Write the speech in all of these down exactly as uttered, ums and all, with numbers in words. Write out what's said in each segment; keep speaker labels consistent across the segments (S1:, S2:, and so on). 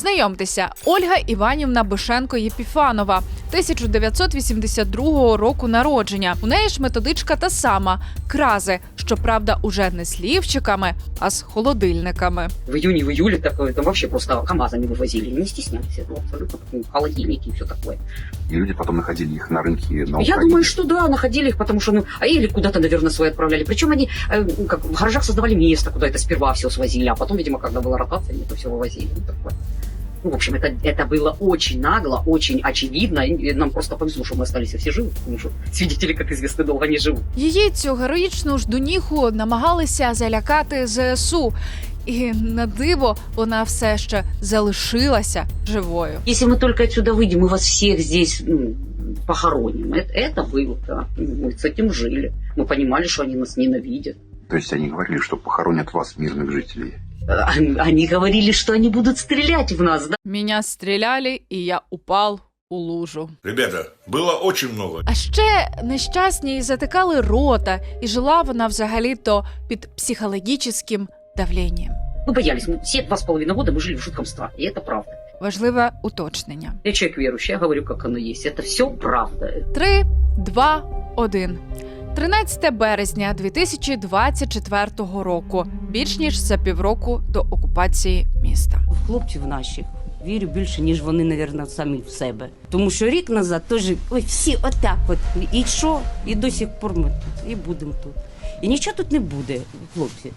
S1: Знайомтеся, Ольга Іванівна Бишенко-Єпіфанова, тисяча дев'ятсот вісімдесят другого року народження. У неї ж методичка та сама – крази, щоправда, уже не з лівчиками, а з холодильниками.
S2: В июне, в июле такое, там вообще просто КАМАЗами вывозили, не стеснялись этого абсолютно, ну, холодильники и все такое.
S3: И люди потом находили их на рынке на
S2: Я
S3: Украине.
S2: думаю, что да, находили их, потому что, ну, а или куда-то, наверное, свои отправляли. Причем они, э, как в гаражах создавали место, куда это сперва все свозили, а потом, видимо, когда была ротация, они это все вывозили. Ну, такое. Ну, в общем, это, это было очень нагло, очень очевидно. И нам просто повезло, что мы остались все живы, потому что свидетели, как известно, долго не живут.
S1: Її цю героїчну ждуніху намагалися залякати ЗСУ. І на диво вона все ще залишилася живою.
S2: Если мы только отсюда выйдем, мы вас всех здесь, ну, похороним. Это, это было, да. Мы с этим жили. Мы понимали, что они нас ненавидят.
S3: То есть они говорили, что похоронят вас, мирных жителей.
S2: Они говорили, что они будут стрелять в нас, да?
S1: Меня стріляли, і я упав у лужу.
S4: Ребята, было очень много.
S1: А ще нещасні затикали рота, і жила вона взагалі-то під психологічним давленням.
S2: Мы боялись. Мы все два с половиной года мы жили в жутком страхе. И это правда.
S1: Важливе уточнення.
S2: Я человек верующий, я говорю, как оно есть. Это все правда.
S1: Три, два, один. тринадцяте березня дві тисячі двадцять четвертого року. Більш ніж за півроку до окупації міста.
S5: В хлопців наших вірю більше, ніж вони, мабуть, самі в себе. Тому що рік назад теж, ой, всі отак от. І що? І до сих пор ми тут, і будемо тут. І нічого тут не буде, хлопці.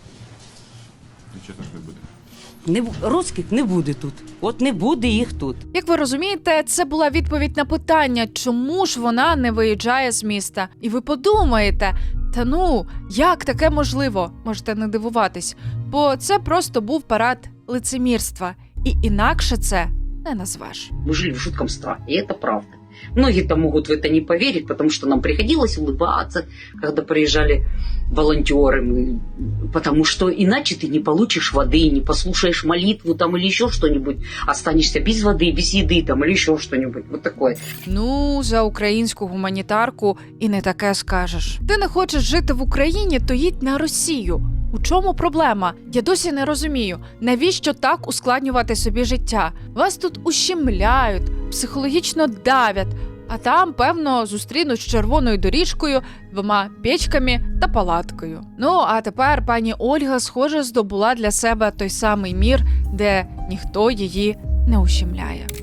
S3: Честно, что не будет.
S5: Не, бу- русських не буде тут. От не буде їх тут.
S1: Як ви розумієте, це була відповідь на питання, чому ж вона не виїжджає з міста. І ви подумаєте, та ну, як таке можливо? Можете не дивуватись. Бо це просто був парад лицемірства. І інакше це не назвеш.
S2: Мы жили в жутком страхе. И это правда. Многие-то могут в это не поверить, потому что нам приходилось улыбаться, когда приезжали волонтеры. Мы- Потому что иначе ты не получишь воды, не послушаешь молитву там или еще что-нибудь. Останешься без воды, без еды там или еще что-нибудь. Вот такое.
S1: Ну, за українську гуманітарку і не таке скажеш. Ти не хочеш жити в Україні, то їдь на Росію. У чому проблема? Я досі не розумію, навіщо так ускладнювати собі життя? Вас тут ущемляють, психологічно давлять, а там, певно, зустрінуть з червоною доріжкою, двома печками та палаткою. Ну, а тепер пані Ольга, схоже, здобула для себе той самий мір, де ніхто її не ущемляє.